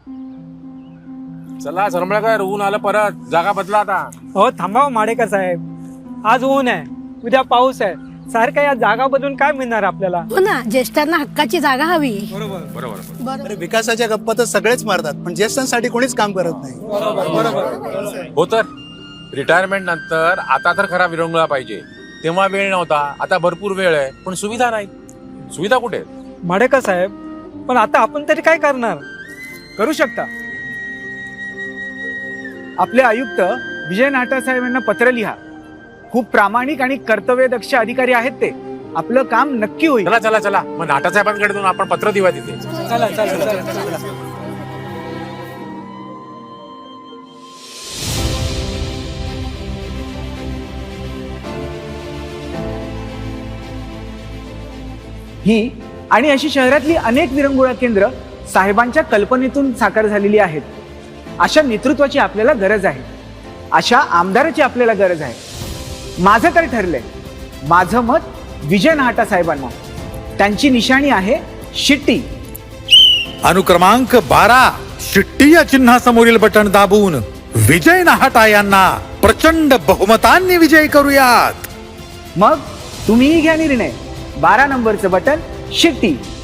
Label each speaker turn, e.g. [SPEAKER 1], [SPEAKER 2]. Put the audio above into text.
[SPEAKER 1] चला सरमळकर, ऊन आलं परत, जागा बदला आता.
[SPEAKER 2] हो थांबा माडेकर साहेब, आज ऊन आहे, उद्या पाऊस आहे, सारखं या जागा बदलून काय मिळणार आपल्याला?
[SPEAKER 3] हो ना, ज्येष्ठांना हक्काची जागा हवी.
[SPEAKER 1] बरोबर.
[SPEAKER 4] अरे विकासाच्या गप्पा तर सगळेच मारतात, पण ज्येष्ठांसाठी कोणीच काम करत नाही.
[SPEAKER 1] हो तर रिटायरमेंट नंतर आता तर खरा विरंगुळा पाहिजे. तेव्हा वेळ नव्हता, आता भरपूर वेळ आहे, पण सुविधा नाही. सुविधा कुठे आहेत?
[SPEAKER 2] माडेकर साहेब, पण आता आपण तरी काय करणार?
[SPEAKER 5] करू शकता. आपले आयुक्त विजय नाटा साहेब यांना पत्र लिहा. खूप प्रामाणिक आणि कर्तव्यदक्ष अधिकारी आहेत ते. आपलं काम नक्की होईल.
[SPEAKER 1] चला चला चला, मग नाटासाहेबांकडे जाऊन आपण पत्र देऊया तिथे.
[SPEAKER 2] चला चला चला चला.
[SPEAKER 5] ही आणि अशी शहरातली अनेक विरंगुळा केंद्र साहेबांच्या कल्पनेतून साकार झालेली आहेत. अशा नेतृत्वाची आपल्याला गरज आहे. अशा आमदाराची आपल्याला गरज आहे. माझं तर ठरलंय. माझं मत विजय नाटा साहेबांना. त्यांची निशाणी आहे शिट्टी.
[SPEAKER 6] अनुक्रमांक 12 शिट्टी या चिन्हासमोरील बटन दाबून विजय नाहटा यांना प्रचंड बहुमतांनी विजयी करूयात.
[SPEAKER 5] मग तुम्हीही घ्या निर्णय. 12 नंबरचं बटन शिट्टी.